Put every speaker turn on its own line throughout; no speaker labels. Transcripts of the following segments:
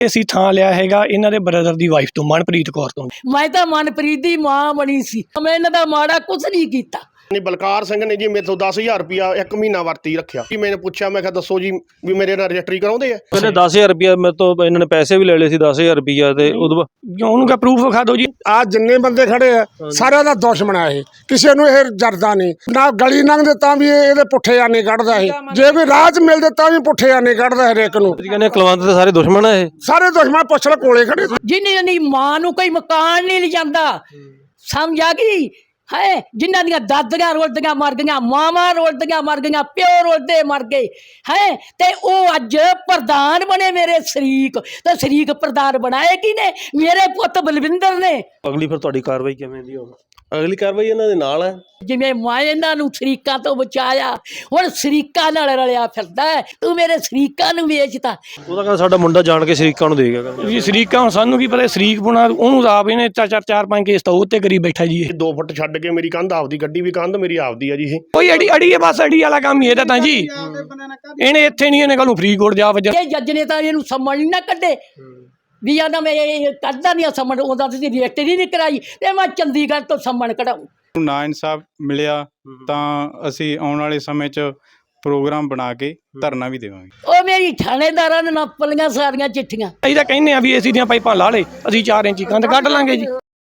ਅਸੀਂ ਥਾਂ ਲਿਆ ਹੈਗਾ ਇਹਨਾਂ ਦੇ ਬ੍ਰਦਰ ਦੀ ਵਾਈਫ ਤੋਂ, ਮਨਪ੍ਰੀਤ ਕੌਰ ਤੋਂ।
ਮੈਂ ਤਾਂ ਮਨਪ੍ਰੀਤ ਦੀ ਮਾਂ ਬਣੀ ਸੀ, ਮੈਂ ਇਹਨਾਂ ਦਾ ਮਾੜਾ ਕੁਝ ਨਹੀਂ ਕੀਤਾ।
ਬਲਕਾਰ ਸਿੰਘ ਨੇ ਜੀ ਮੇਰੇ ਤੋਂ 10,000 ਰੁਪਇਆ 1 ਮਹੀਨਾ ਵਰਤੀ ਰੱਖਿਆ ਜੀ। ਮੈंने ਪੁੱਛਿਆ, ਮੈਂ ਕਿਹਾ ਦੱਸੋ ਜੀ ਵੀ ਮੇਰੇ ਨਾਲ ਰਜਿਸਟਰੀ ਕਰਾਉਂਦੇ ਆ।
ਕਹਿੰਦੇ 10,000 ਰੁਪਇਆ ਮੇਰੇ ਤੋਂ ਇਹਨਾਂ ਨੇ ਪੈਸੇ ਵੀ ਲੈ ਲਏ ਸੀ 10,000 ਰੁਪਇਆ ਤੇ ਉਦੋਂ
ਉਹਨੂੰ ਕਾ ਪ੍ਰੂਫ ਵਿਖਾ ਦਿਓ ਜੀ।
ਆ ਜਿੰਨੇ ਬੰਦੇ ਖੜੇ ਆ ਸਾਰਿਆਂ ਦਾ ਦੁਸ਼ਮਣ ਆ ਇਹ, ਕਿਸੇ ਨੂੰ ਇਹ ਜਰਦਾ ਨਹੀਂ ਨਾ। ਗਲੀ ਲੰਘਦੇ ਤਾਂ ਵੀ ਇਹਦੇ ਪੁੱਠੇ ਆਨੇ ਕੱਢਦਾ ਇਹ, ਜੇ ਕੋਈ ਰਾਹ 'ਚ ਮਿਲਦੇ ਤਾਂ ਵੀ ਪੁੱਠੇ ਆਨੇ ਕੱਢਦਾ ਹਰੇਕ ਨੂੰ।
ਕਹਿੰਦੇ ਕੁਲਵੰਤ ਦੇ ਸਾਰੇ ਦੁਸ਼ਮਣ ਆ ਇਹ,
ਸਾਰੇ ਦੁਸ਼ਮਣ ਪੁੱਛ ਲੈ ਕੋਲੇ ਖੜੇ।
ਜਿੰਨੀ ਮਾਂ ਨੂੰ ਕੋਈ ਮਕਾਨ ਨਹੀਂ ਲਿਜਾਂਦਾ, ਸਮਝ ਆ ਗਈ ਹੈ। ਜਿਨ੍ਹਾਂ ਦੀਆਂ ਦਾਦੀਆਂ ਰੋਲਦੀਆਂ ਮਰ ਗਈਆਂ, ਮਾਵਾਂ ਰੋਲਦੀਆਂ ਮਰ ਗਈਆਂ, ਪਿਓ ਰੋਲਦੇ ਮਰ ਗਏ ਹੈ, ਤੇ ਉਹ ਅੱਜ ਪ੍ਰਧਾਨ ਬਣੇ ਮੇਰੇ ਸ਼ਰੀਕ। ਤੇ ਸ਼ਰੀਕ ਪ੍ਰਧਾਨ ਬਣਾਏ ਕਿਨੇ? ਮੇਰੇ ਪੁੱਤ ਬਲਵਿੰਦਰ ਨੇ।
ਅਗਲੀ ਫਿਰ ਤੁਹਾਡੀ ਕਾਰਵਾਈ ਕਿਵੇਂ ਦੀ ਹੋਵੇ? ਅਗਲੀ ਕਾਰਵਾਈ ਇਹਨਾਂ ਦੇ ਨਾਲ ਹੈ।
ਜਿਵੇਂ ਮੈਂ ਇਹਨਾਂ ਨੂੰ ਸ਼ਰੀਕਾਂ ਤੋਂ ਬਚਾਇਆ, ਹੁਣ ਸ਼ਰੀਕਾਂ ਨਾਲ ਰਲਿਆ ਫਿਰਦਾ ਹੈ। ਤੂੰ ਮੇਰੇ ਸ਼ਰੀਕਾਂ ਨੂੰ ਵੇਚਤਾ।
ਉਹ ਤਾਂ ਕਹਿੰਦਾ ਸਾਡਾ ਮੁੰਡਾ ਜਾਣ ਕੇ ਸ਼ਰੀਕਾਂ ਨੂੰ ਦੇ ਗਿਆ।
ਜੀ ਸ਼ਰੀਕਾਂ ਹੁਣ ਸਾਨੂੰ ਕੀ ਪਤਾ ਸ਼ਰੀਕ ਬੁਣਾ, ਉਹਨੂੰ ਆਪ ਇਹਨੇ ਚਾਰ ਪੰਜ ਕੇਸ ਤਾਂ ਉਹ ਤੇ ਕਰੀ ਬੈਠਾ ਜੀ। ਇਹ
2 ਫੁੱਟ ਛੱਡ ਕੇ ਮੇਰੀ ਕੰਧ ਆਪਦੀ, ਗੱਡੀ ਵੀ ਕੰਧ ਮੇਰੀ ਆਪਦੀ ਆ ਜੀ। ਇਹ
ਕੋਈ ਅੜੀ ਹੈ, ਬਸ ਅੜੀ ਵਾਲਾ ਕੰਮ ਹੀ ਇਹਦਾ ਤਾਂ ਜੀ। ਇਹਨੇ ਇੱਥੇ ਨਹੀਂ, ਇਹਨੇ ਕੱਲ ਨੂੰ ਫਰੀਦਕੋਟ ਜਾ ਵਜਾ।
ਇਹ ਜੱਜ ਨੇ ਤਾਂ ਇਹਨੂੰ ਸਮਝ ਨਾ ਕੱਢੇ ਵੀ ਆਂਦਾ ਮੈਂ ਇਹ ਕੱਢਦਾ ਨਹੀਂ ਸਮਝ, ਉਹਦਾ ਤੁਸੀਂ ਰਜਿਸਟਰੀ ਨਹੀਂ ਕਰਾਈ ਤੇ ਮੈਂ ਚੰਡੀਗੜ੍ਹ ਤੋਂ ਸਮਣ ਕਢਾਊਂ।
ਨਾ ਇਨਸਾਫ ਮਿਲਿਆ ਤਾਂ ਅਸੀਂ ਆਉਣ ਵਾਲੇ ਸਮੇਂ 'ਚ ਪ੍ਰੋਗਰਾਮ ਬਣਾ ਕੇ ਧਰਨਾ ਵੀ ਦੇਵਾਂਗੇ।
ਉਹ ਮੇਰੀ ਥਾਣੇਦਾਰਾਂ ਨੇ ਨੱਪ ਲਈਆਂ ਸਾਰੀਆਂ ਚਿੱਠੀਆਂ।
ਅਸੀਂ ਤਾਂ ਕਹਿੰਦੇ ਆ ਵੀ ਏਸੀ ਦੀਆਂ ਪਾਈਪਾਂ ਲਾ ਲੇ, ਅਸੀਂ 4 ਇੰਚੀ ਕੰਧ ਕੱਢ ਲਾਂਗੇ ਜੀ।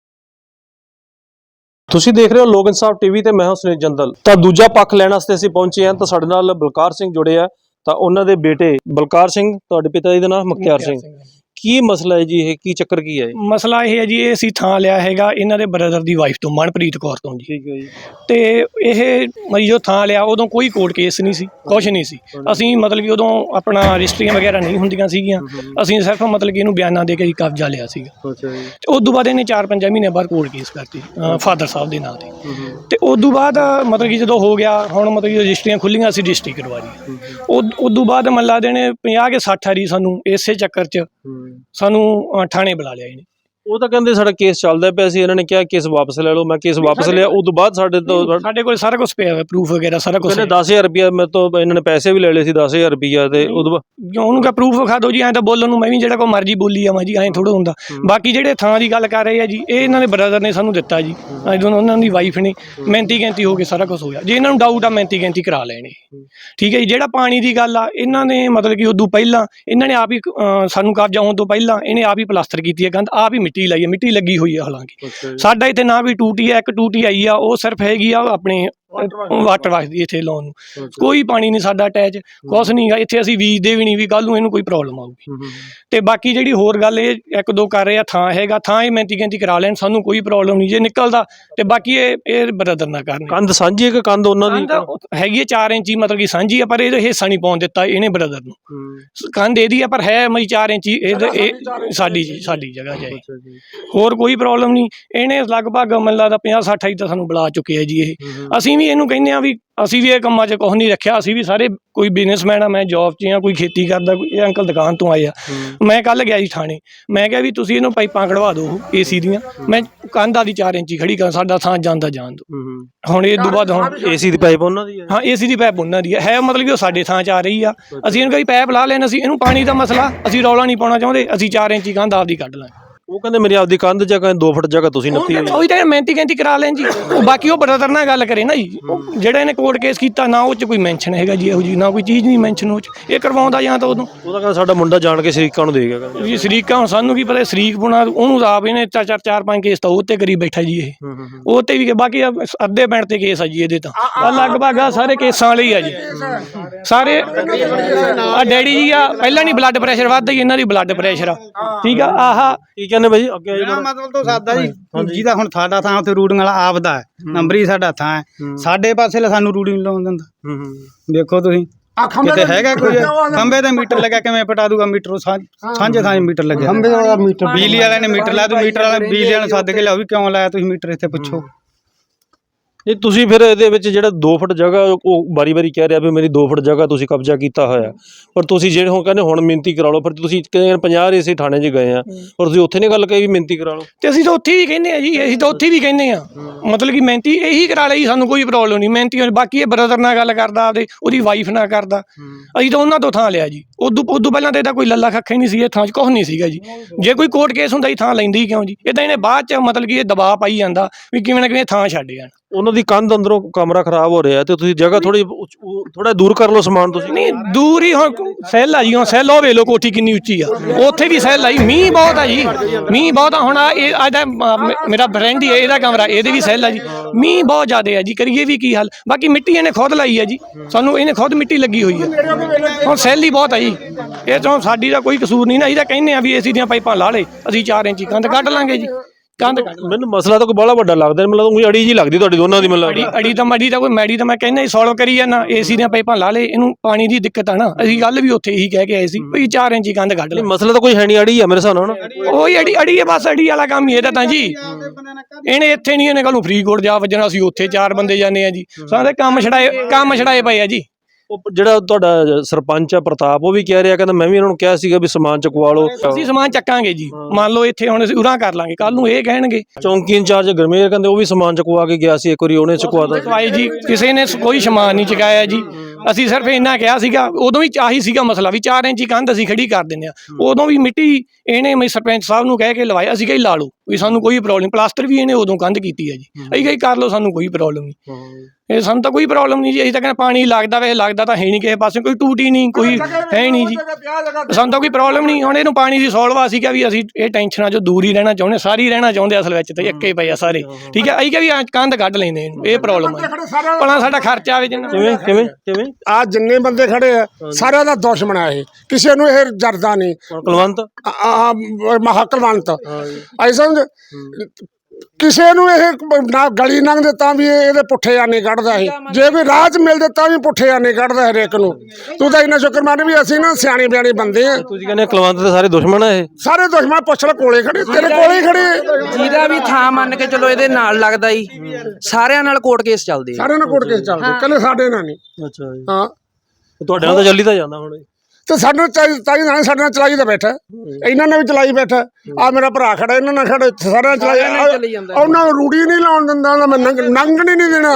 ਤੁਸੀਂ ਦੇਖ ਰਹੇ ਹੋ ਲੋਕ ਇਨਸਾਫ ਟੀਵੀ ਤੇ ਮੈਂ ਹਾਂ ਸੁਨੀਲ ਜੰਦਲ। ਤਾਂ ਦੂਜਾ ਪੱਖ ਲੈਣ ਵਾਸਤੇ ਅਸੀਂ ਪਹੁੰਚੇ ਹਾਂ ਤਾਂ ਸਾਡੇ ਨਾਲ ਬਲਕਾਰ ਸਿੰਘ ਜੁੜੇ ਆ, ਤਾਂ ਉਹਨਾਂ ਦੇ ਬੇਟੇ ਬਲਕਾਰ ਸਿੰਘ, ਤੁਹਾਡੇ ਪਿਤਾ ਜੀ ਦਾ ਨਾਮ ਮਖਤਿਆਰ ਸਿੰਘ। ਕੀ ਮਸਲਾ ਹੈ ਜੀ ਇਹ, ਕੀ ਚੱਕਰ ਕੀ ਹੈ?
ਮਸਲਾ ਇਹ ਹੈ ਜੀ, ਇਹ ਅਸੀਂ ਥਾਂ ਲਿਆ ਹੈਗਾ ਇਹਨਾਂ ਦੇ ਬ੍ਰਦਰ ਦੀ ਵਾਈਫ ਤੋਂ, ਮਨਪ੍ਰੀਤ ਕੌਰ ਤੋਂ ਜੀ।
ਠੀਕ ਹੈ ਜੀ।
ਤੇ ਇਹ ਮਰੀ ਜੋ ਥਾਂ ਲਿਆ ਉਦੋਂ ਕੋਈ ਕੋਰਟ ਕੇਸ ਨਹੀਂ ਸੀ, ਕੁਛ ਨਹੀਂ ਸੀ। ਅਸੀਂ ਮਤਲਬ ਕਿ ਉਦੋਂ ਆਪਣਾ ਰਜਿਸਟਰੀਆਂ ਵਗੈਰਾ ਨਹੀਂ ਹੁੰਦੀਆਂ ਸੀਗੀਆਂ, ਅਸੀਂ ਸਿਰਫ ਮਤਲਬ ਕਿ ਇਹਨੂੰ ਬਿਆਨਾਂ ਦੇ ਕੇ ਕਬਜ਼ਾ ਲਿਆ ਸੀਗਾ।
ਅੱਛਾ ਜੀ।
ਤੇ ਉਸ ਤੋਂ ਬਾਅਦ ਇਹਨੇ 4-5 ਮਹੀਨੇ ਬਾਅਦ ਕੋਰਟ ਕੇਸ ਕਰਤੀ ਫਾਦਰ ਸਾਹਿਬ ਦੇ ਨਾਂ ਤੇ। ਤੇ ਉਸ ਤੋਂ ਬਾਅਦ ਮਤਲਬ ਕਿ ਜਦੋਂ ਹੋ ਗਿਆ, ਹੁਣ ਮਤਲਬ ਕਿ ਰਜਿਸਟਰੀਆਂ ਖੁੱਲੀਆਂ, ਅਸੀਂ ਰਜਿਸਟਰੀ ਕਰਵਾ ਲਈ। ਉਸ ਤੋਂ ਬਾਅਦ ਮੱਲਾ ਦੇ ਨੇ 50 ਕੇ 60 ਵਾਰੀ ਸਾਨੂੰ ਇਸੇ ਚੱਕਰ 'ਚ ਸਾਨੂੰ ਥਾਣੇ ਬੁਲਾ ਲਿਆ ਇਹਨੇ।
ਉਹ ਤਾਂ ਕਹਿੰਦੇ ਸਾਡਾ ਕੇਸ ਚੱਲਦਾ ਪਿਆ ਸੀ, ਇਹਨਾਂ ਨੇ ਕਿਹਾ ਕੇਸ ਵਾਪਸ ਲੈ ਲਓ। ਮੈਂ ਕੇਸ ਵਾਪਸ ਲਿਆ, ਉਸ ਤੋਂ ਬਾਅਦ ਸਾਡੇ
ਕੋਲ ਸਾਰਾ ਕੁਝ ਪਿਆ ਹੋਇਆ, ਪ੍ਰੂਫ ਵਗੈਰਾ ਸਾਰਾ ਕੁਝ।
ਕਹਿੰਦੇ 10,000 ਰੁਪਇਆ ਮੇਰੇ ਤੋਂ ਇਹਨਾਂ ਨੇ ਪੈਸੇ ਵੀ ਲੈ ਲਏ ਸੀ 10,000 ਰੁਪਇਆ ਤੇ ਉਦੋਂ
ਉਹਨੂੰ ਕਾ ਪ੍ਰੂਫ ਵਿਖਾ ਦਿਓ ਜੀ। ਐਂ ਤਾਂ ਬੋਲਣ ਨੂੰ ਮੈਂ ਵੀ ਜਿਹੜਾ ਕੋਈ ਮਰਜ਼ੀ ਬੋਲੀ ਆਵਾਂ ਜੀ, ਐਂ ਥੋੜਾ ਹੁੰਦਾ। ਬਾਕੀ ਜਿਹੜੇ ਥਾਂ ਦੀ ਗੱਲ ਕਰ ਰਹੇ ਆ ਜੀ, ਇਹ ਇਹਨਾਂ ਦੇ ਬ੍ਰਦਰ ਨੇ ਸਾਨੂੰ ਦਿੱਤਾ ਜੀ, ਉਹਨਾਂ ਦੀ ਵਾਈਫ ਨੇ। ਮਿਹਨਤੀ ਗੈਂਤੀ ਹੋ ਕੇ ਸਾਰਾ ਕੁਝ ਹੋਇਆ। ਜੇ ਇਹਨਾਂ ਨੂੰ ਡਾਊਟ ਆ ਮਿਹਨਤੀ ਗੈਂਤੀ ਕਰਾ ਲੈਣੇ, ਠੀਕ ਹੈ ਜੀ। ਜਿਹੜਾ ਪਾਣੀ ਦੀ ਗੱਲ ਆ, ਇਹਨਾਂ ਨੇ ਮਤਲਬ ਕਿ ਉਦੋਂ ਪਹਿਲਾਂ ਇਹਨਾਂ ਨੇ ਆਪ ਹੀ ਸਾਨੂੰ ਕਬਜ਼ਾ ਹੋਣ ਤੋਂ ਪਹਿਲਾਂ ਇਹਨੇ ਆਪ ਹੀ ਪਲਾਸਟਰ ਕੀਤੀ ਹੈ ਕੰਧ, ਆਪ ਹੀ ਮਿੱਟੀ ਲਾਈ ਹੈ, ਮਿੱਟੀ ਲੱਗੀ ਹੋਈ ਹੈ। ਹਾਲਾਂਕਿ ਸਾਡਾ ਇੱਥੇ ਨਾ ਵੀ ਟੂਟੀ ਹੈ, ਇੱਕ ਟੂਟੀ ਆਈ ਆ, ਉਹ ਸਿਰਫ ਹੈਗੀ ਆ ਆਪਣੇ ਵਾਟਰ ਵਰਕਸ ਦੀ ਇੱਥੇ ਲਾਉਣ ਨੂੰ। ਕੋਈ ਪਾਣੀ ਨਹੀਂ ਸਾਡਾ ਅਟੈਚ, ਕੁਛ ਨਹੀਂ ਗਾ ਇੱਥੇ। ਅਸੀਂ ਬੀਜਦੇ ਵੀ ਨਹੀਂ ਵੀ ਕੱਲ ਨੂੰ ਇਹਨੂੰ ਕੋਈ ਪ੍ਰੋਬਲਮ ਆਊਗੀ। ਤੇ ਬਾਕੀ ਜਿਹੜੀ ਹੋਰ ਗੱਲ ਇਹ 1-2 ਕਰ ਰਹੇ ਆ, ਥਾਂ ਹੈਗਾ, ਥਾਂ ਇਹ ਮਿਹਨਤੀ ਗੈਂਤੀ ਕਰਾ ਲੈਣ, ਸਾਨੂੰ ਕੋਈ ਪ੍ਰੋਬਲਮ ਨਹੀਂ ਜੇ ਨਿਕਲਦਾ। ਤੇ ਬਾਕੀ ਇਹ ਬ੍ਰਦਰ ਨਾ ਕਰਨ।
ਕੰਧ ਸਾਂਝੀ ਹੈ ਕਿ ਕੰਧ ਉਹਨਾਂ ਦੀ
ਹੈਗੀ ਹੈ 4 ਇੰਚੀ ਮਤਲਬ ਕਿ ਸਾਂਝੀ ਆ, ਪਰ ਇਹਦਾ ਹਿੱਸਾ ਨਹੀਂ ਪਾਉਣ ਦਿੱਤਾ ਇਹਨੇ ਬ੍ਰਦਰ ਨੂੰ। ਕੰਧ ਇਹਦੀ ਆ ਪਰ ਹੈ ਮਈ 4 ਇੰਚੀ ਇਹ ਸਾਡੀ ਜਗ੍ਹਾ 'ਚ ਹੈ। ਹੋਰ ਕੋਈ ਪ੍ਰੋਬਲਮ ਨਹੀਂ। ਇਹਨੇ ਲਗਭਗ ਮੈਨੂੰ ਲੱਗਦਾ 50-60 ਤਾਂ ਸਾਨੂੰ ਬੁਲਾ ਚੁੱਕੇ ਆ ਜੀ। ਇਹ ਅਸੀਂ ਵੀ ਇਹਨੂੰ ਕਹਿੰਦੇ ਆ ਵੀ ਅਸੀਂ ਵੀ ਇਹ ਕੰਮਾਂ 'ਚ ਕੁਛ ਨਹੀਂ ਰੱਖਿਆ। ਅਸੀਂ ਵੀ ਸਾਰੇ ਕੋਈ ਬਿਜ਼ਨਸਮੈਨ ਆ, ਮੈਂ ਜੌਬ 'ਚ ਆ, ਕੋਈ ਖੇਤੀ ਕਰਦਾ, ਕੋਈ ਇਹ ਅੰਕਲ ਦੁਕਾਨ ਤੋਂ ਆਏ ਆ। ਮੈਂ ਕੱਲ੍ਹ ਗਿਆ ਜੀ ਥਾਣੇ, ਮੈਂ ਕਿਹਾ ਵੀ ਤੁਸੀਂ ਇਹਨੂੰ ਪਾਈਪਾਂ ਕਢਵਾ ਦਿਓ ਏਸੀ ਦੀਆਂ। ਮੈਂ ਕੰਧ ਆਦੀ 4 ਇੰਚੀ ਖੜੀ ਕਰ, ਸਾਡਾ ਥਾਂ ਜਾਂਦਾ ਜਾਣ ਦਿਓ। ਹੁਣ ਇਹ ਤੋਂ ਬਾਅਦ ਹੁਣ
ਏਸੀ ਦੀ ਪਾਈਪ ਉਹਨਾਂ ਦੀ ਹੈ।
ਹਾਂ, ਏਸੀ ਦੀ ਪਾਈਪ ਉਹਨਾਂ ਦੀ ਹੈ, ਮਤਲਬ ਕਿ ਉਹ ਸਾਡੇ ਥਾਂ 'ਚ ਆ ਰਹੀ ਆ। ਅਸੀਂ ਇਹਨੂੰ ਕਹੀ ਪਾਈਪ ਲਾ ਲੈਣ, ਅਸੀਂ ਇਹਨੂੰ ਪਾਣੀ ਦਾ ਮਸਲਾ ਅਸੀਂ ਰੌਲਾ ਨਹੀਂ ਪਾਉਣਾ ਚਾਹੁੰਦੇ। ਅਸੀਂ 4 ਇੰਚੀ ਕੰਧ ਆਪਦੀ ਕੱਢ ਲਾਂਗੇ।
ਉਹ ਕਹਿੰਦੇ ਮੇਰੀ ਆਪਦੀ ਕੰਧ ਜਗ੍ਹਾ 2 ਫੁੱਟ ਜਗ੍ਹਾ ਤੁਸੀਂ ਨੱਪੀ ਹੋਈ।
ਉਹੀ ਤਾਂ ਮਿਹਨਤੀ ਗੈਂਤੀ ਕਰਾ ਲੈਣ ਜੀ। ਬਾਕੀ ਉਹ ਬ੍ਰਦਰ ਨਾਲ ਗੱਲ ਕਰੇ ਨਾ ਜੀ, ਜਿਹੜਾ ਇਹਨੇ ਕੋਰਟ ਕੇਸ ਕੀਤਾ ਨਾ ਉਹ 'ਚ ਕੋਈ ਮੈਂਸ਼ਨ ਹੈਗਾ ਜੀ, ਇਹੋ ਜੀ ਨਾ ਕੋਈ ਚੀਜ਼ ਨਹੀਂ ਮੈਂਸ਼ਨ ਉਹ 'ਚ। ਇਹ ਕਰਵਾਉਂਦਾ ਜਾਂ ਤਾਂ ਉਦੋਂ
ਉਹ ਤਾਂ ਕਹਿੰਦਾ ਸਾਡਾ ਮੁੰਡਾ ਜਾਣ ਕੇ ਸ਼ਰੀਕਾਂ ਨੂੰ ਦੇ ਗਿਆ।
ਜੀ ਸ਼ਰੀਕਾਂ ਹੁਣ ਸਾਨੂੰ ਕੀ ਪਤਾ ਸ਼ਰੀਕ ਬੁਣਾ, ਉਹਨੂੰ ਆਪ ਇਹਨੇ 4-5 ਕੇਸ ਤਾਂ ਉਹ ਤੇ ਕਰੀ ਬੈਠਾ ਜੀ। ਇਹ ਉਹ ਤੇ ਵੀ ਬਾਕੀ ਅੱਧੇ ਪਿੰਡ ਤੇ ਕੇਸ ਆ ਜੀ ਇਹਦੇ ਤਾਂ। ਲਗਭਗ ਆ ਸਾਰੇ ਕੇਸਾਂ ਵਾਲੇ ਹੀ ਆ ਜੀ ਸਾਰੇ। ਆ ਡੈਡੀ ਜੀ ਆ, ਪਹਿਲਾਂ ਨਹੀਂ ਬਲੱਡ ਪ੍ਰੈਸ਼ਰ ਵੱਧਦਾ ਜੀ, ਇਹਨਾਂ ਦੀ ਬਲੱਡ ਪ੍ਰੈਸ਼ਰ ਆ, ਠੀਕ ਆ। ਆਹ
ਕੀ ਕਹਿੰਦੇ ਬਾਈ ਅੱਗੇ
ਮਤਲਬ ਤੋਂ ਸਾਦਾ ਜੀ, ਜਿਹਦਾ ਹੁਣ ਸਾਡਾ ਥਾਂ ਉੱਥੇ ਰੂਟਿੰਗ ਵਾਲਾ ਆਪਦਾ ਹੈ, ਨੰਬਰੀ ਸਾਡਾ ਥਾਂ ਹੈ, ਸਾਡੇ ਪਾਸੇ ਸਾਨੂੰ ਰੂਟਿੰਗ ਲਾਉਣ ਦਿੰਦਾ। ਦੇਖੋ ਤੁਸੀਂ ਕਿਤੇ ਹੈਗਾ ਕੋਈ ਖੰਬੇ ਤੇ ਮੀਟਰ ਲੱਗਿਆ, ਕਿਵੇਂ ਪਟਾ ਦੂਗਾ ਮੀਟਰ? ਸਾਂਝੇ ਥਾਂ ਮੀਟਰ ਲੱਗਿਆ, ਬਿਜਲੀ ਵਾਲਿਆਂ ਨੇ ਮੀਟਰ ਲਾਇਆ। ਤੂੰ ਮੀਟਰ ਵਾਲਾ ਬਿਜਲੀ ਵਾਲਿਆਂ ਨੂੰ ਸੱਦ ਕੇ ਲਿਆਓ ਵੀ ਕਿਉਂ ਲਾਇਆ ਤੁਸੀਂ ਮੀਟਰ, ਇੱਥੇ ਪੁੱਛੋ।
ਨਹੀਂ ਤੁਸੀਂ ਫਿਰ ਇਹਦੇ ਵਿੱਚ ਜਿਹੜਾ 2 ਫੁੱਟ ਜਗ੍ਹਾ ਉਹ ਵਾਰੀ-ਵਾਰੀ ਕਹਿ ਰਿਹਾ ਵੀ ਮੇਰੀ 2 ਫੁੱਟ ਜਗ੍ਹਾ ਤੁਸੀਂ ਕਬਜ਼ਾ ਕੀਤਾ ਹੋਇਆ, ਪਰ ਤੁਸੀਂ ਜਿਹੜੇ ਹੁਣ ਕਹਿੰਦੇ ਹੁਣ ਮਿਹਨਤੀ ਕਰਾ ਲਓ, ਫਿਰ ਤੁਸੀਂ 50 ਏਸੀ ਥਾਣੇ 'ਚ ਗਏ ਆ ਪਰ ਤੁਸੀਂ ਉੱਥੇ ਨਹੀਂ ਗੱਲ ਕਹੀ ਵੀ ਮਿਹਨਤੀ ਕਰਾ ਲਓ।
ਤੇ ਅਸੀਂ ਤਾਂ ਉੱਥੇ ਵੀ ਕਹਿੰਦੇ ਆ ਜੀ, ਅਸੀਂ ਤਾਂ ਉੱਥੇ ਵੀ ਕਹਿੰਦੇ ਆ, ਮਤਲਬ ਕਿ ਮਿਹਨਤੀ ਇਹੀ ਕਰਾ ਲਈ, ਸਾਨੂੰ ਕੋਈ ਪ੍ਰੋਬਲਮ ਨਹੀਂ ਮਿਹਨਤੀ। ਬਾਕੀ ਇਹ ਬ੍ਰਦਰ ਨਾਲ ਗੱਲ ਕਰਦਾ, ਆਪਦੇ ਉਹਦੀ ਵਾਈਫ ਨਾਲ ਕਰਦਾ, ਅਸੀਂ ਤਾਂ ਉਹਨਾਂ ਤੋਂ ਥਾਂ ਲਿਆ ਜੀ। ਉਦੋਂ ਪਹਿਲਾਂ ਤਾਂ ਇਹਦਾ ਕੋਈ ਲੱਲਾ ਖੱਖਾ ਹੀ ਨਹੀਂ ਸੀ, ਇਹ ਥਾਂ 'ਚ ਕੁਛ ਨਹੀਂ ਸੀਗਾ ਜੀ। ਜੇ ਕੋਈ ਕੋਰਟ ਕੇਸ ਹੁੰਦਾ ਜੀ ਥਾਂ ਲੈਂਦੀ ਹੀ ਕਿਉਂ ਜੀ? ਇਦਾਂ ਇਹਨੇ ਬਾਅਦ 'ਚ ਮਤਲਬ ਕਿ ਇਹ ਦਬਾਅ ਪਾਈ ਜਾਂਦਾ ਵੀ ਕਿਵੇਂ ਨਾ ਕਿਵੇਂ ਥਾਂ ਛੱਡ ਜਾਣ।
ਉਹਨਾਂ ਦੀ ਕੰਧ ਅੰਦਰੋਂ ਕਮਰਾ ਖਰਾਬ ਹੋ ਰਿਹਾ ਤੇ ਤੁਸੀਂ ਜਗ੍ਹਾ ਥੋੜਾ ਦੂਰ ਕਰ ਲਓ ਸਮਾਨ ਤੁਸੀਂ।
ਨਹੀਂ ਦੂਰ ਹੀ, ਹੁਣ ਸੈੱਲ ਆ ਜੀ, ਹੁਣ ਸੈੱਲ ਉਹ ਵੇਖ ਲਓ ਕੋਠੀ ਕਿੰਨੀ ਉੱਚੀ ਆ, ਉੱਥੇ ਵੀ ਸੈੱਲ ਆਈ, ਮੀਂਹ ਬਹੁਤ ਆ ਜੀ, ਮੀਂਹ ਬਹੁਤ ਆ। ਹੁਣ ਇਹ ਇਹਦਾ ਮੇਰਾ ਫਰੈਂਡ ਹੀ ਹੈ, ਇਹਦਾ ਕਮਰਾ, ਇਹਦੇ ਵੀ ਸੈੱਲ ਆ ਜੀ, ਮੀਂਹ ਬਹੁਤ ਜ਼ਿਆਦਾ ਆ ਜੀ, ਕਰੀਏ ਵੀ ਕੀ ਹੱਲ? ਬਾਕੀ ਮਿੱਟੀ ਇਹਨੇ ਖੁਦ ਲਾਈ ਆ ਜੀ, ਸਾਨੂੰ ਇਹਨੇ ਖੁਦ ਮਿੱਟੀ ਲੱਗੀ ਹੋਈ ਆ, ਹੁਣ ਸੈੱਲ ਹੀ ਬਹੁਤ ਆ ਜੀ। ਇਹ ਤੋਂ ਸਾਡੀ ਦਾ ਕੋਈ ਕਸੂਰ ਨਹੀਂ ਨਾ, ਅਸੀਂ ਤਾਂ ਕਹਿੰਦੇ ਆ ਵੀ ਏਸੀ ਦੀਆਂ ਪਾਈਪਾਂ ਲਾ ਲੇ, ਅਸੀਂ 4 ਇੰਚੀ ਕੰਧ ਕੱਢ ਲਾਂਗੇ ਜੀ, ਕੰਧ ਕੱਢ।
ਮੈਨੂੰ ਮਸਲਾ ਤਾਂ ਕੋਈ ਬੜਾ ਵੱਡਾ ਲੱਗਦਾ, ਮੈਨੂੰ ਲੱਗਦਾ ਅੜੀ ਜੀ ਲੱਗਦੀ ਤੁਹਾਡੀ ਦੋਨਾਂ ਦੀ। ਮੈਨੂੰ
ਅੜੀ ਤਾਂ ਕੋਈ ਮੈਡੀ ਤਾਂ ਮੈਂ ਕਹਿੰਦਾ ਸੋਲਵ ਕਰੀ ਜਾਂਦਾ, ਏਸੀ ਦੀਆਂ ਪਾਈਪਾਂ ਲਾ ਲੇ, ਇਹਨੂੰ ਪਾਣੀ ਦੀ ਦਿੱਕਤ ਆ ਨਾ, ਅਸੀਂ ਗੱਲ ਵੀ ਉੱਥੇ ਇਹੀ ਕਹਿ ਕੇ ਆਏ ਸੀ ਵੀ 4 ਇੰਚੀ ਕੰਧ ਕੱਢ ਲੈ।
ਮਸਲਾ ਤਾਂ ਕੋਈ ਹੈ ਨਹੀਂ, ਅੜੀ ਆ ਮੇਰੇ ਹਿਸਾਬ ਨਾਲ।
ਉਹੀ ਅੜੀ ਹੈ, ਬਸ ਅੜੀ ਵਾਲਾ ਕੰਮ ਹੀ ਇਹਦਾ ਤਾਂ ਜੀ। ਇਹਨੇ ਇੱਥੇ ਨਹੀਂ, ਇਹਨੇ ਕੱਲ ਨੂੰ ਫਰੀਦਕੋਟ ਜਾ ਵੱਜਣਾ, ਅਸੀਂ ਉੱਥੇ 4 ਬੰਦੇ ਜਾਂਦੇ ਆ ਜੀ, ਸਾਰੇ ਕੰਮ ਛੜਾਏ ਪਏ ਆ ਜੀ।
ਉਹ ਜਿਹੜਾ ਤੁਹਾਡਾ ਸਰਪੰਚ ਆ ਪ੍ਰਤਾਪ, ਉਹ ਵੀ ਕਹਿ ਰਿਹਾ, ਕਹਿੰਦਾ ਮੈਂ ਵੀ ਇਹਨਾਂ ਨੂੰ ਕਿਹਾ ਸੀਗਾ ਵੀ ਸਮਾਨ ਚੁਕਵਾ ਲਓ।
ਅਸੀਂ ਸਮਾਨ ਚੱਕਾਂਗੇ ਜੀ, ਮੰਨ ਲਓ ਇੱਥੇ ਹੁਣ ਅਸੀਂ ਉਰਾਂ ਕਰ ਲਾਂਗੇ, ਕੱਲ ਨੂੰ ਇਹ ਕਹਿਣਗੇ।
ਚੌਂਕੀ ਇੰਚਾਰਜ ਗਰਮੇਰ ਕਹਿੰਦੇ ਉਹ ਵੀ ਸਮਾਨ ਚੁਕਵਾ ਕੇ ਗਿਆ ਸੀ ਇੱਕ ਵਾਰੀ, ਉਹਨੇ ਚੁਕਵਾ ਦਿੱਤਾ
ਜੀ। ਕਿਸੇ ਨੇ ਕੋਈ ਸਮਾਨ ਨਹੀਂ ਚੁਕਾਇਆ ਜੀ, ਅਸੀਂ ਸਿਰਫ ਇੰਨਾ ਕਿਹਾ ਸੀਗਾ, ਉਦੋਂ ਵੀ ਆਹੀ ਸੀਗਾ ਮਸਲਾ ਵੀ 4 ਇੰਚੀ ਕੰਧ ਅਸੀਂ ਖੜੀ ਕਰ ਦਿੰਦੇ ਆ। ਉਦੋਂ ਵੀ ਮਿੱਟੀ ਇਹਨੇ ਸਰਪੰਚ ਸਾਹਿਬ ਨੂੰ ਕਹਿ ਕੇ ਲਵਾਇਆ, ਅਸੀਂ ਕਹੀ ਲਾ ਲਓ ਵੀ ਸਾਨੂੰ ਕੋਈ ਪ੍ਰੋਬਲਮ, ਪਲਾਸਟਰ ਵੀ ਇਹਨੇ ਉਦੋਂ ਕੰਧ ਕੀਤੀ ਹੈ ਜੀ, ਅਸੀਂ ਕਹੀ ਕਰ ਲਓ ਸਾਨੂੰ ਕੋਈ ਪ੍ਰੋਬਲਮ ਨਹੀਂ, ਇਹ ਸਾਨੂੰ ਤਾਂ ਕੋਈ ਪ੍ਰੋਬਲਮ ਨਹੀਂ ਜੀ। ਅਸੀਂ ਤਾਂ ਕਹਿੰਦੇ ਪਾਣੀ ਲੱਗਦਾ ਵੇ, ਲੱਗਦਾ ਤਾਂ ਹੈ ਨਹੀਂ ਕਿਸੇ ਪਾਸੇ, ਕੋਈ ਟੂਟੀ ਨਹੀਂ, ਕੋਈ ਹੈ ਨਹੀਂ ਜੀ, ਸਾਨੂੰ ਤਾਂ ਕੋਈ ਪ੍ਰੋਬਲਮ ਨਹੀਂ। ਹੁਣ ਇਹਨੂੰ ਪਾਣੀ ਦੀ ਸੋਲਵ ਆ ਸੀਗਾ ਵੀ ਅਸੀਂ ਇਹ ਟੈਨਸ਼ਨਾਂ 'ਚੋਂ ਦੂਰ ਹੀ ਰਹਿਣਾ ਚਾਹੁੰਦੇ, ਸਾਰੀ ਰਹਿਣਾ ਚਾਹੁੰਦੇ ਅਸਲ ਵਿੱਚ ਤਾਂ ਇੱਕੇ ਪਏ ਆ ਸਾਰੇ, ਠੀਕ ਹੈ। ਅਸੀਂ ਕਿਹਾ ਵੀ ਕੰਧ ਕੱਢ ਲੈਂਦੇ ਇਹਨੂੰ, ਇਹ ਪ੍ਰੋਬਲਮ ਹੈ ਭਲਾ ਸਾਡਾ ਖਰਚਾ ਆਵੇ ਜਿੰਨਾ।
ਕਿਵੇਂ
ਆ ਜਿੰਨੇ ਬੰਦੇ ਖੜੇ ਆ ਸਾਰਿਆਂ ਦਾ ਦੁਸ਼ਮਣ ਆ ਇਹ, ਕਿਸੇ ਨੂੰ ਇਹ ਜਰਦਾ ਨਹੀਂ।
ਕੁਲਵੰਤ
ਮਹਾਕਲਵੰਤ ਐਸਾ ਕਿਸੇ ਨੂੰ ਇਹ ਨਾ ਗਲੀ ਲੰਘਦੇ ਤਾਂ ਵੀ ਇਹਦੇ ਪੁੱਠੇ ਆਨੇ ਕੱਢਦਾ ਇਹ, ਜੇ ਕੋਈ ਰਾਹ 'ਚ ਮਿਲਦੇ ਤਾਂ ਵੀ ਪੁੱਠੇ ਆਨੇ ਕੱਢਦਾ ਹਰੇਕ ਨੂੰ। ਤੂੰ ਤਾਂ ਇੰਨਾ ਸ਼ੁਕਰ ਮੰਨ ਵੀ ਅਸੀਂ ਨਾ ਸਿਆਣੇ ਬਿਆਣੇ ਬੰਦੇ ਆ।
ਤੁਸੀਂ ਕਹਿੰਦੇ ਕੁਲਵੰਤ ਦੇ ਸਾਰੇ ਦੁਸ਼ਮਣ ਆ ਇਹ?
ਸਾਰੇ ਦੁਸ਼ਮਣ ਪੁੱਛ ਲੈ, ਕੋਲੇ ਖੜੇ, ਤੇਰੇ ਕੋਲੇ ਹੀ ਖੜੇ,
ਜਿਹਦਾ ਵੀ ਥਾਂ ਮੰਨ ਕੇ ਚਲੋ ਇਹਦੇ ਨਾਲ ਲੱਗਦਾ ਹੀ, ਸਾਰਿਆਂ ਨਾਲ ਕੋਰਟ ਕੇਸ ਚੱਲਦੇ,
ਸਾਰਿਆਂ ਨਾਲ ਕੋਰਟ ਕੇਸ ਚੱਲਦੇ, ਕੱਲੇ ਸਾਡੇ ਨਾਲ ਨਹੀਂ।
ਅੱਛਾ ਜੀ,
ਹਾਂ
ਤੁਹਾਡੇ ਨਾਲ ਤਾਂ ਚੱਲੀ ਤਾਂ ਜਾਂਦਾ ਹੁਣ।
ਤੇ ਸਾਨੂੰ ਸਾਡੇ ਨਾਲ ਚਲਾਈ ਤਾਂ ਬੈਠਾ, ਇਹਨਾਂ ਨੇ ਵੀ ਚਲਾਈ ਬੈਠਾ, ਆ ਮੇਰਾ ਭਰਾ ਖੜਾ, ਇਹਨਾਂ ਨਾਲ ਖੜਾ, ਸਾਰਿਆਂ ਚਲਾਈ, ਉਹਨਾਂ ਨੂੰ ਰੂੜੀ ਨਹੀਂ ਲਾਉਣ ਦਿੰਦਾ, ਮੈਂ ਨੰਗਣ ਨਹੀਂ ਦੇਣਾ।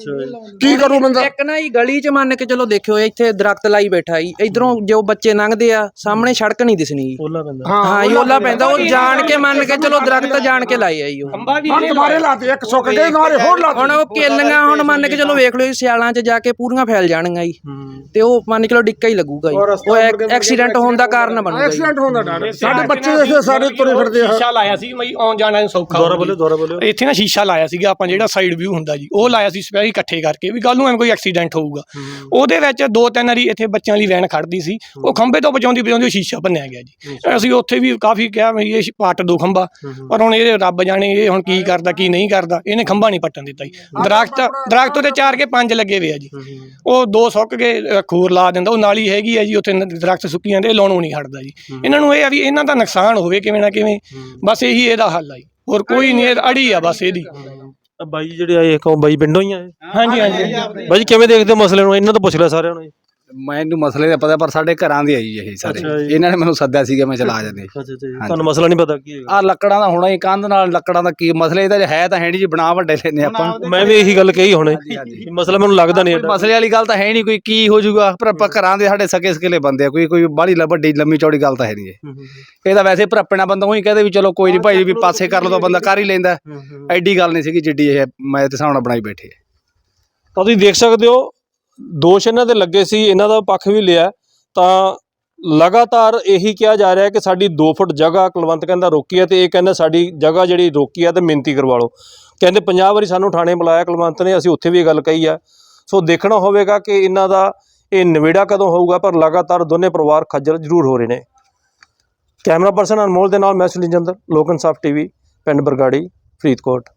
ਕੀ ਕਰੂ ਬੰਦਾ?
ਇੱਕ ਨਾ ਹੀ ਗਲੀ 'ਚ ਮੰਨ ਕੇ ਚਲੋ ਦੇਖਿਓ, ਇੱਥੇ ਦਰਖਤ ਲਾਈ ਬੈਠਾ ਜੀ, ਇਧਰੋਂ ਜੋ ਬੱਚੇ ਲੰਘਦੇ ਆ ਸਾਹਮਣੇ ਸੜਕ ਨਹੀਂ ਦਿਸਣੀ ਜੀ, ਹਾਂ ਓਲਾ ਪੈਂਦਾ, ਉਹ ਜਾਣ ਕੇ ਮੰਨ ਕੇ ਚਲੋ ਦਰਖਤ ਜਾਣ ਕੇ ਲਾਏ ਆ ਜੀ।
ਹੁਣ ਦੁਬਾਰੇ ਲਾਤੇ, ਇੱਕ ਸੁੱਕ ਗਏ, ਦੁਬਾਰੇ ਹੋਰ ਲਾਤੇ।
ਹੁਣ ਉਹ ਕੇਲੀਆਂ ਹੁਣ ਮੰਨ ਕੇ ਚਲੋ ਵੇਖ ਲਓ ਸਿਆਲਾਂ 'ਚ ਜਾ ਕੇ ਪੂਰੀਆਂ ਫੈਲ ਜਾਣਗੀਆਂ ਜੀ, ਤੇ ਉਹ ਮੰਨ ਕੇ ਚਲੋ ਡਿੱਕਾ ਹੀ ਲੱਗੂਗਾ ਜੀ, ਐਕਸੀਡੈਂਟ ਹੋਣ ਦਾ ਕਾਰਨ ਬਣੂਗਾ।
ਐਕਸੀਡੈਂਟ ਹੋਣ ਦਾ ਡਰ, ਸਾਡੇ ਬੱਚੇ ਦੇਖੋ ਸਾਰੇ ਤੁਰੇ ਫਿਰਦੇ ਆ।
ਸ਼ੀਸ਼ਾ ਲਾਇਆ ਸੀ ਮਈ ਆਉਣ ਜਾਣਾ ਨੂੰ ਸੌਖਾ,
ਦੁਆਰਾ ਬੋਲਿਓ।
ਇੱਥੇ ਨਾ ਸ਼ੀਸ਼ਾ ਲਾਇਆ ਸੀਗਾ ਆਪਾਂ, ਜਿਹੜਾ ਸਾਈਡ ਵਿਊ ਹੁੰਦਾ ਜੀ, ਉਹ ਲਾਇਆ ਸੀ ਸਪੈਸ਼ਲ ਇਕੱਠੇ ਕਰਕੇ ਵੀ ਕੱਲ ਨੂੰ ਐਵੇਂ ਕੋਈ ਐਕਸੀਡੈਂਟ ਹੋਊਗਾ। ਉਹਦੇ ਵਿੱਚ 2-3 ਵਾਰੀ ਇੱਥੇ ਬੱਚਿਆਂ ਦੀ ਵੈਨ ਖੜਦੀ ਸੀ, ਉਹ ਖੰਭੇ ਤੋਂ ਬਚਾਉਂਦੀ ਸ਼ੀਸ਼ਾ ਭੰਨਿਆ ਗਿਆ ਜੀ। ਅਸੀਂ ਉੱਥੇ ਵੀ ਕਾਫੀ ਕਿਹਾ ਵੀ ਇਹ ਪੱਟ ਦੋ ਖੰਭਾ, ਪਰ ਹੁਣ ਇਹ ਰੱਬ ਜਾਣੇ ਇਹ ਹੁਣ ਕੀ ਕਰਦਾ ਕੀ ਨਹੀਂ ਕਰਦਾ, ਇਹਨੇ ਖੰਭਾ ਨਹੀਂ ਪੱਟਣ ਦਿੱਤਾ ਜੀ। ਦਰਖਤ ਉਹਦੇ 4 ਕੇ 5 ਲੱਗੇ ਹੋਏ ਆ ਜੀ, ਉਹ 2 ਸੁੱਕ ਕੇ ਖੋਰ ਲਾ ਦਿੰਦਾ, ਉਹ ਨਾਲੀ ਹੈਗੀ ਆ ਜੀ ਉੱਥੇ, ਦਰਖਤ ਸੁੱਕੀ ਜਾਂਦੇ, ਲਾਉਣੋਂ ਨਹੀਂ ਹਟਦਾ ਜੀ। ਇਹਨਾਂ ਨੂੰ ਇਹ ਆ ਵੀ ਇਹਨਾਂ ਦਾ ਨੁਕਸਾਨ ਹੋਵੇ ਕਿਵੇਂ ਨਾ ਕਿਵੇਂ, ਬਸ ਇਹੀ ਇਹਦਾ ਹੱਲ ਆ ਜੀ, ਹੋਰ ਕੋਈ ਨਹੀਂ, ਅੜੀ ਆ ਬਸ ਇਹਦੀ।
ਬਾਈ ਜਿਹੜੇ ਆਏ ਬਾਈ ਪਿੰਡੋਂ ਹੀ ਆਏ?
ਹਾਂਜੀ
ਬਾਈ ਕਿਵੇਂ ਦੇਖਦੇ ਹੋ ਮਸਲੇ ਨੂੰ? ਇਹਨਾਂ ਤੋਂ ਪੁੱਛ ਲਿਆ ਸਾਰਿਆਂ ਨੂੰ।
ਮੈਨੂੰ ਮਸਲੇ ਦਾ ਪਤਾ, ਪਰ ਸਾਡੇ ਘਰਾਂ ਦੇ ਆਈ ਇਹ ਸਾਰੇ, ਇਹਨਾਂ ਨੇ ਮੈਨੂੰ ਸੱਦਿਆ ਸੀਗਾ, ਮੈਂ ਚਲਾ ਜਾਂਦੇ।
ਤੁਹਾਨੂੰ ਮਸਲਾ ਨਹੀਂ ਪਤਾ ਕੀ ਹੈਗਾ?
ਆ ਲੱਕੜਾਂ ਦਾ ਹੋਣਾ ਹੀ, ਕੰਧ ਨਾਲ ਲੱਕੜਾਂ ਦਾ ਕੀ ਮਸਲੇ, ਇਹਦਾ ਹੈ ਤਾਂ ਹੈ ਨਹੀਂ ਜੀ, ਬਣਾ ਵੱਡੇ ਲੈਨੇ ਆਪਾਂ।
ਮੈਂ ਵੀ ਇਹੀ ਗੱਲ ਕਹੀ ਹੁਣੇ, ਮਸਲਾ ਮੈਨੂੰ ਲੱਗਦਾ ਨਹੀਂ
ਮਸਲੇ ਵਾਲੀ ਗੱਲ ਤਾਂ ਹੈ ਨਹੀਂ ਕੋਈ, ਕੀ ਹੋ ਜਾਊਗਾ, ਪਰ ਆਪਾਂ ਘਰਾਂ ਦੇ ਸਾਡੇ ਸਕੇ ਸਕੇਲੇ ਬੰਦੇ ਆ, ਕੋਈ ਬਾਹਲੀ ਵੱਡੀ ਲੰਮੀ ਚੌੜੀ ਗੱਲ ਤਾਂ ਹੈ ਨਹੀਂ ਇਹ ਤਾਂ ਵੈਸੇ ਭਰਪਣਾ ਬੰਦਾ ਉਹੀ ਕਹਦੇ ਵੀ ਚਲੋ ਕੋਈ ਨਹੀਂ ਭਾਈ ਵੀ ਪਾਸੇ ਕਰ ਲਓ ਤਾਂ ਬੰਦਾ ਕਰ ਹੀ ਲੈਂਦਾ, ਐਡੀ ਗੱਲ ਨਹੀਂ ਸੀਗੀ ਜਿੱਡੀ ਇਹ ਮੈਂ ਤੇ ਸਾਹਮਣੇ ਬਣਾਈ ਬੈਠੇ।
ਤਾਂ ਤੁਸੀਂ ਦੇਖ ਸਕਦੇ ਹੋ ਦੋਸ਼ ਇਹਨਾਂ ਦੇ ਲੱਗੇ ਸੀ, ਇਹਨਾਂ ਦਾ ਪੱਖ ਵੀ ਲਿਆ, ਤਾਂ ਲਗਾਤਾਰ ਇਹੀ ਕਿਹਾ ਜਾ ਰਿਹਾ ਕਿ ਸਾਡੀ 2 ਫੁੱਟ ਜਗ੍ਹਾ ਕੁਲਵੰਤ ਕਹਿੰਦਾ ਰੋਕੀ ਹੈ, ਤੇ ਇਹ ਕਹਿੰਦਾ ਸਾਡੀ ਜਗ੍ਹਾ ਜਿਹੜੀ ਰੋਕੀ ਹੈ ਤੇ ਮਿਹਨਤੀ ਕਰਵਾ ਲਓ। ਕਹਿੰਦੇ 50 ਵਾਰੀ ਸਾਨੂੰ ਥਾਣੇ ਬੁਲਾਇਆ ਕੁਲਵੰਤ ਨੇ, ਅਸੀਂ ਉੱਥੇ ਵੀ ਇਹ ਗੱਲ ਕਹੀ ਆ। ਸੋ ਦੇਖਣਾ ਹੋਵੇਗਾ ਕਿ ਇਹਨਾਂ ਦਾ ਇਹ ਨਿਬੇੜਾ ਕਦੋਂ ਹੋਊਗਾ, ਪਰ ਲਗਾਤਾਰ ਦੋਨੇ ਪਰਿਵਾਰ ਖੱਜਲ ਜ਼ਰੂਰ ਹੋ ਰਹੇ ਨੇ। ਕੈਮਰਾ ਪਰਸਨ ਅਨਮੋਲ ਦੇ ਨਾਲ ਮੈਂ ਸੁਨੀਲ ਜੰਦਲ, ਲੋਕ ਇਨਸਾਫ ਟੀਵੀ, ਪਿੰਡ ਬਰਗਾੜੀ, ਫਰੀਦਕੋਟ।